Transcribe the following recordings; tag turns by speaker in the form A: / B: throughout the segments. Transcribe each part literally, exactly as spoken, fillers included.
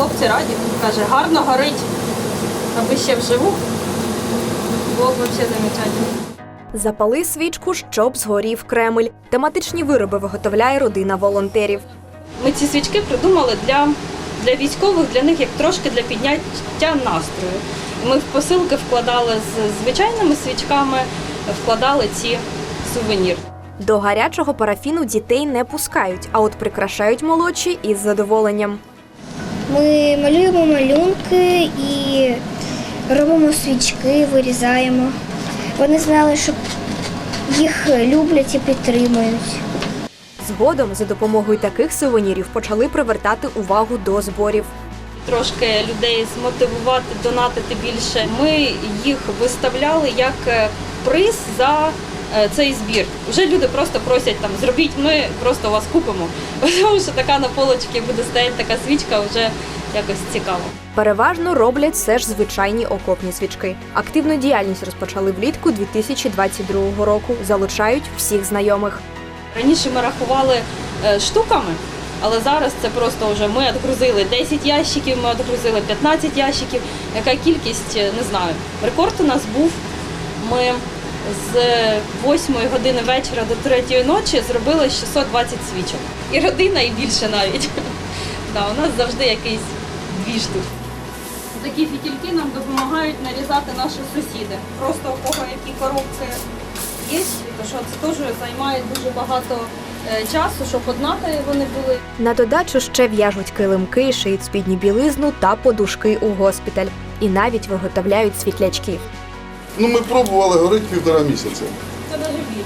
A: хлопці раді. Каже, гарно горить, аби ще вживу. Було б взагалі замечательно.
B: Запали свічку, щоб згорів Кремль. Тематичні вироби виготовляє родина волонтерів.
A: Ми ці свічки придумали для, для військових, для них як трошки для підняття настрою. Ми в посилки вкладали з звичайними свічками, вкладали ці сувеніри.
B: До гарячого парафіну дітей не пускають, а от прикрашають молодші із задоволенням.
C: Ми малюємо малюнки і робимо свічки, вирізаємо. Вони знали, що їх люблять і підтримують.
B: Згодом за допомогою таких сувенірів почали привертати увагу до зборів.
A: Трошки людей змотивувати, донатити більше. Ми їх виставляли як приз за цей збір. Вже люди просто просять, там, зробіть, ми просто вас купимо. Тому що така на полочці буде стояти така свічка, вже якось цікаво.
B: Переважно роблять все ж звичайні окопні свічки. Активну діяльність розпочали влітку дві тисячі двадцять другого року. Залучають всіх знайомих.
A: Раніше ми рахували штуками, але зараз це просто вже ми відгрузили десять ящиків, ми відгрузили п'ятнадцять ящиків. Яка кількість, не знаю. Рекорд у нас був, ми з восьмої години вечора до третьої ночі зробили шістсот двадцять свічок. І родина, і більше навіть. Да, у нас завжди якийсь двіж тут. Такі фітільки нам допомагають нарізати наші сусіди. Просто у кого які коробки є, то що це теж займає дуже багато часу, щоб однакові вони були.
B: На додачу ще в'яжуть килимки, шиють спідню білизну та подушки у госпіталь. І навіть виготовляють світлячки.
D: Ну, ми пробували, горить півтора місяця.
A: Це навіть більше.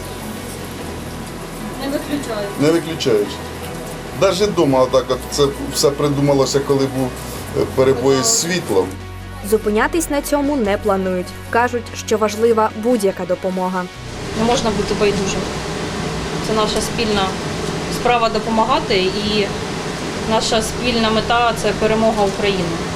A: Не виключають.
D: Не виключають. Навіть вдома так от це все придумалося, коли був перебої з світлом.
B: Зупинятись на цьому не планують. Кажуть, що важлива будь-яка допомога.
A: Не можна бути байдужим. Це наша спільна справа допомагати, і наша спільна мета – це перемога України.